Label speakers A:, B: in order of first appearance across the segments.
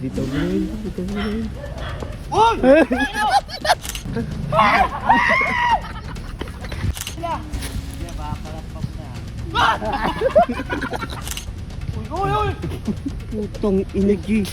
A: Bitaw mo na yun. Bitaw mo na yun.
B: Oy!
A: Putong energy.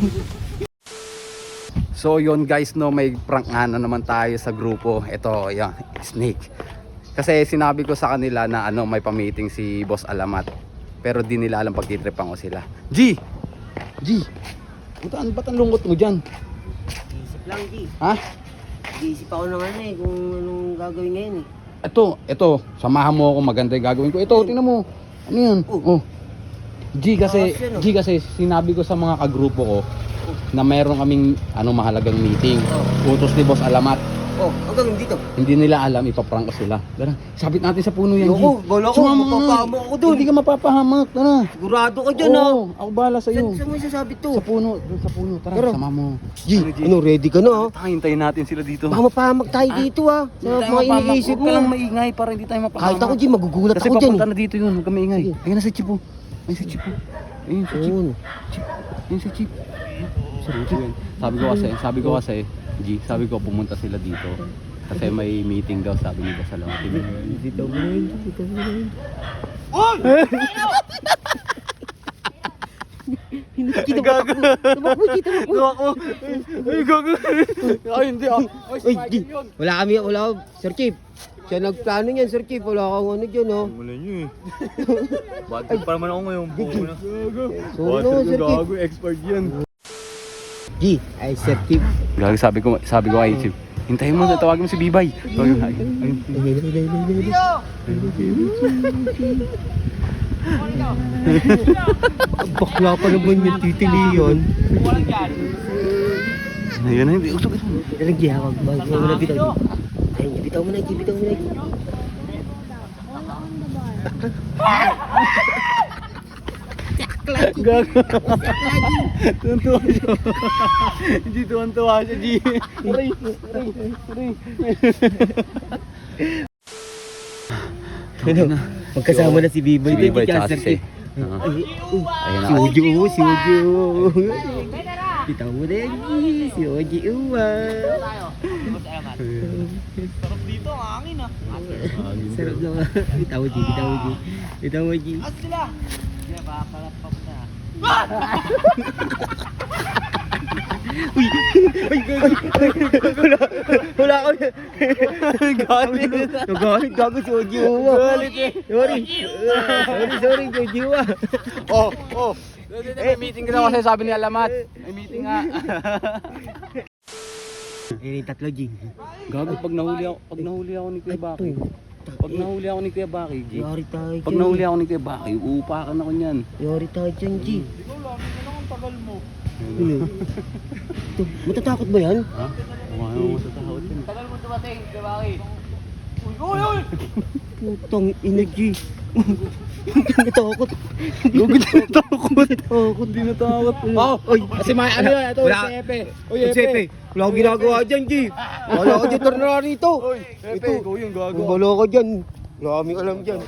C: So yon guys, no, may prank nga na naman tayo sa grupo. Ito, yan, snake. Kasi sinabi ko sa kanila na ano, may pa-meeting si Boss Alamat. Pero di nila alam pagtitripan ko sila. G! G! Ba't ang lungkot mo dyan?
A: Isip lang, G.
C: Ha?
A: Isip ako ng ano eh, kung anong gagawin ngayon eh.
C: Ito, samahan mo ako, maganda yung gagawin ko. Ito, tingnan mo. Ano yan? Oh. G kasi sinabi ko sa mga kagrupo ko na meron kaming mahalagang meeting. Utos ni Boss Alamat.
A: Oh, hanggang dito.
C: Hindi nila alam, ipaprank ko sila. Tara, sabit natin sa puno yan, G.
A: Ayoko, bala ko,
C: Sumama ka na.
A: mapapahamak ako dun.
C: Hindi ka mapapahamak, tara.
A: Sigurado ka dyan
C: Oo, ako bahala sa'yo.
A: Saan mo isasabit to?
C: Sa puno, doon sa puno. Tara,
A: Tara.
C: sama mo.
A: G, ano, ready ka na ha?
C: Hintayin natin sila dito.
A: Baka mapahamak tayo dito ha. Sa mga iniisip
C: Huwag ka lang
A: mo.
C: maingay para hindi tayo mapahamak.
A: Kahit ako, G, magugulat
C: Kasi
A: ako dyan
C: papunta
A: eh.
C: na dito yun, huwag ka maingay.
A: Sige.
C: Ayun na si Chipo. Ayun si Chipo. Ayun si Chipo.
A: Oo.
C: Ayun si Chip. Sabi ko kasi, G, sabi ko pumunta sila dito. Kasi may meeting daw, sabi ni Boss Alamat.
A: Bitaw mo na yun, bitaw mo na yun.
B: Oy!
A: Kita mo ako. Tumakbo, kita mo ako.
C: Ay, gago. Ay, hindi ah.
A: Uy, G, wala, Sir Chief. Siya nagplano niyan, Sir Chief. Wala kang ano dyan, oh.
B: Wala nyo eh. Batid pa naman ako ngayon.
A: Sorry no, Sir Chief.
C: expert yan.
A: G, ay Sir Chief.
C: Gago, sabi ko kay Chip. Hintayin mo, tawagin mo si Bibay. Ayun.
A: Bakla pa naman yung titili yun.
C: Ayun, hindi. Usog.
A: Nalagyan ako. Bitaw mo na, bitaw. Ayun, bitaw mo na, G, bitaw mo na.
C: Gago. Tuwan-tuwa siya. Hindi tuwan-tuwa siya, G. Aray.
A: Ano? Magkasama na si Biboy.
C: Si Bibay
A: Tsaka
C: tsaka
A: Sir
C: si
A: Chief.
C: Ayun
A: Si Ojo. Bitaw mo na yan, G. Si Ojo,
B: Sarap dito, ang hangin ah.
A: Sarap naman. Bitaw mo, G. Bitaw mo, G.
B: As sila!
A: Wala ako. Galit. Gago si Oji Uwa. Galit eh. Sorry, Oji Uwa.
C: Oh. May meeting ka daw kasi sabi ni Alamat. May meeting nga.
A: Eh, tatlo, G.
C: Gago, pag nahuli ako ni Kuya Baki. Pag nahuli ako ni Kuya Baki, G.
A: Yari tayo dyan.
C: Pag nahuli ako ni Kuya Baki, uupakan ako niyan.
A: Yari tayo dyan, G.
B: Ikaw lang, ano lang ang tagal mo?
A: Ano? Ito, matatakot ba yan?
C: Ha? Ano mo sa tahot yan?
B: Tagal mo dumating, di ba Aki? Uy!
A: Putang energy. Natakot.
C: Gago, di natakot.
A: Natakot.
C: Di natakot.
A: Oh, oy.
C: Kasi may ano yun, ito,
A: Wala.
C: si Epe. Uy,
A: Epe. Wala akong ginagawa dyan, G. Wala ako dyan, tornado rito.
C: Epe, ikaw yung gago.
A: Wala ka dyan. Wala kaming alam dyan.